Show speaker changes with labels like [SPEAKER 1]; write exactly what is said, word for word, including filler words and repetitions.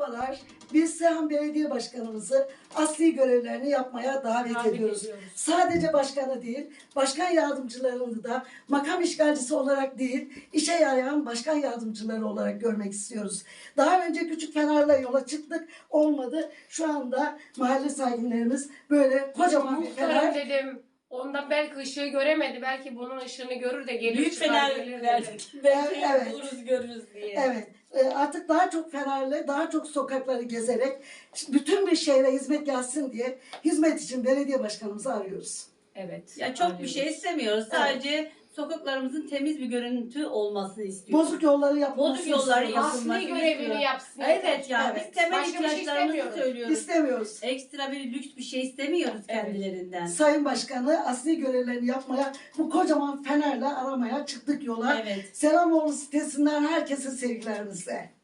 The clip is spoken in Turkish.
[SPEAKER 1] Merhabalar. Biz Seyhan Belediye Başkanımızı asli görevlerini yapmaya davet,
[SPEAKER 2] Davet
[SPEAKER 1] ediyoruz.
[SPEAKER 2] ediyoruz.
[SPEAKER 1] Sadece başkanı değil, başkan yardımcılarını da makam işgalcisi olarak değil, işe yarayan başkan yardımcıları olarak görmek istiyoruz. Daha önce Küçük Fener'le yola çıktık, olmadı. Şu anda mahalle sakinlerimiz böyle kocaman bir
[SPEAKER 2] Muhtarım
[SPEAKER 1] fener.
[SPEAKER 2] dedim. Ondan belki ışığı göremedi. Belki bunun ışığını görür de gelir.
[SPEAKER 3] Büyük
[SPEAKER 2] çıkar
[SPEAKER 3] fener
[SPEAKER 2] gelir dedi.
[SPEAKER 3] verdik. Belki
[SPEAKER 1] Evet.
[SPEAKER 3] buluruz görürüz diye.
[SPEAKER 1] Evet, e, artık daha çok Fener'le, daha çok sokakları gezerek bütün bir şehre hizmet gelsin diye hizmet için belediye başkanımızı arıyoruz.
[SPEAKER 2] Evet.
[SPEAKER 3] Ya çok bir
[SPEAKER 2] arıyoruz.
[SPEAKER 3] şey istemiyoruz. Sadece sokaklarımızın temiz bir görüntü olmasını istiyoruz.
[SPEAKER 1] Bozuk yolları yapılmasını
[SPEAKER 3] Bozuk yolları
[SPEAKER 1] istiyoruz.
[SPEAKER 3] yapılmasını
[SPEAKER 2] Asli görevini
[SPEAKER 3] istiyoruz.
[SPEAKER 2] yapsın.
[SPEAKER 3] Evet ya
[SPEAKER 1] Evet.
[SPEAKER 3] biz temel
[SPEAKER 2] Başka bir şey
[SPEAKER 3] ihtiyaçlarımızı
[SPEAKER 2] istemiyoruz.
[SPEAKER 3] söylüyoruz.
[SPEAKER 1] İstemiyoruz.
[SPEAKER 3] Ekstra bir lüks bir şey istemiyoruz
[SPEAKER 2] Evet.
[SPEAKER 3] kendilerinden.
[SPEAKER 1] Sayın Başkanı asli görevlerini yapmaya, bu kocaman fenerle aramaya çıktık yola.
[SPEAKER 3] Evet.
[SPEAKER 1] Selamoğlu sitesinden herkese sevgilerimizle.